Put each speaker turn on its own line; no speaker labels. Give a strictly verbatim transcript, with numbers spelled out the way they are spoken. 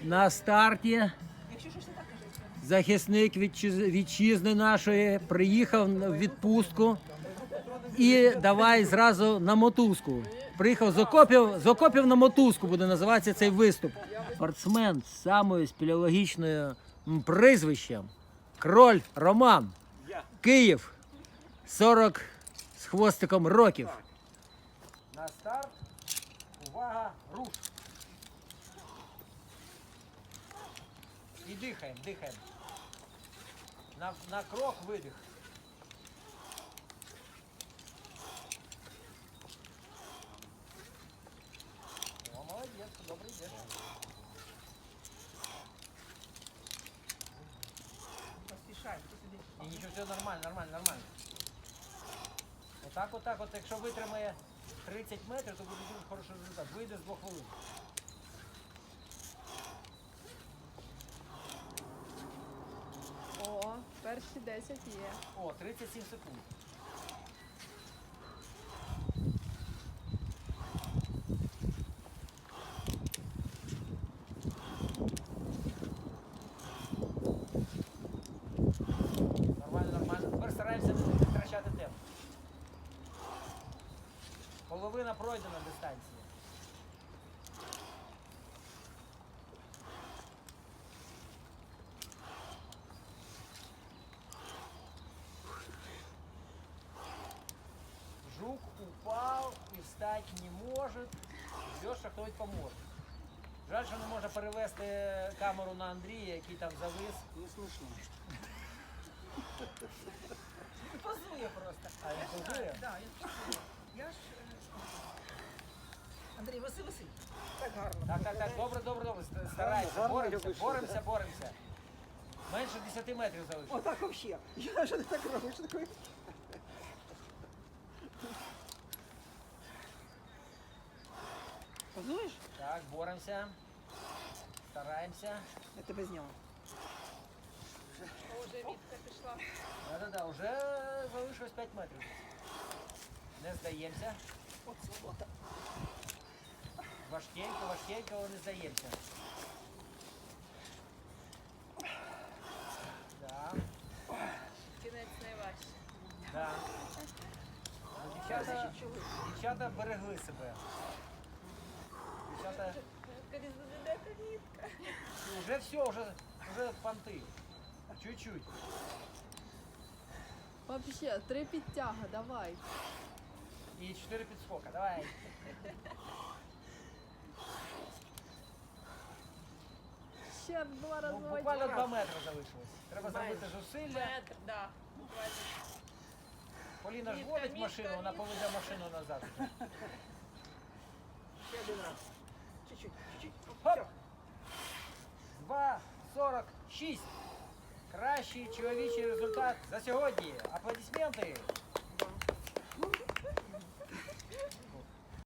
На старті захисник вітчиз- вітчизни нашої приїхав в відпустку і давай зразу на мотузку. Приїхав з окопів, з окопів на мотузку буде називатися цей виступ. Спортсмен з самою спелеологічною м, прізвищем Кроль Роман. Київ. сорок з хвостиком років. На старт. Увага, руш. І дихаємо, дихаємо. На, на крок видих. О, молодець, добре йдеш.
Поспішаємо, ти сюди.
І нічого, все нормально, нормально, нормально. Отак, отак, от, якщо витримає тридцять метрів, то буде дуже хороший результат. Вийде з двох хвилин.
О, перші десять є.
О, тридцять сім секунд. Нормально, нормально. Тепер стараємося не втрачати темп. Половина пройдена дистанція. Жук упал и встать не может. Ждет, що хтось поможе. Жаль, що не можна перевести камеру на Андрія, який там завис.
Не смішно.
Позує просто. А він позує?
Так, я ж... Андрій, виси, виси. Так гарно.
Так, так, так, добре, добре, добре. Стараємося,
Гарно,
боремося,
гарно
боремося, боремося. Менше десяти метрів залишилось.
Отак взагалі. Я ж не так роблю, що таке. Позуєш?
Так, боремося. Стараємося.
Я тебе зняла.
Уже Вітка пішла.
Да-да-да, вже залишилось п'ять метрів. Не здаємося.
От свобода.
Важкенько, важкенько, але не здаємося. Да,
Кінець найважче.
да. Ну, Дівчата, дівчата берегли себе. Дівчата,
Коли заведете Вітка.
вже все, вже, вже понти. Чуть-чуть.
Вообще, три підтяга, давай.
І чотири підскока, давай.
Ще два
Ну,
рази.
буквально два метри залишилось. Треба зробити зусилля.
Метр, да. Буквально.
Поліна ж
Мітка,
водить
мітка,
машину, вона
мітка.
поведе машину назад.
Ще один раз. Чуть-чуть, чуть-чуть.
Хоп! два сорок шість. Кращий чоловічий результат за сьогодні. Аплодисменти.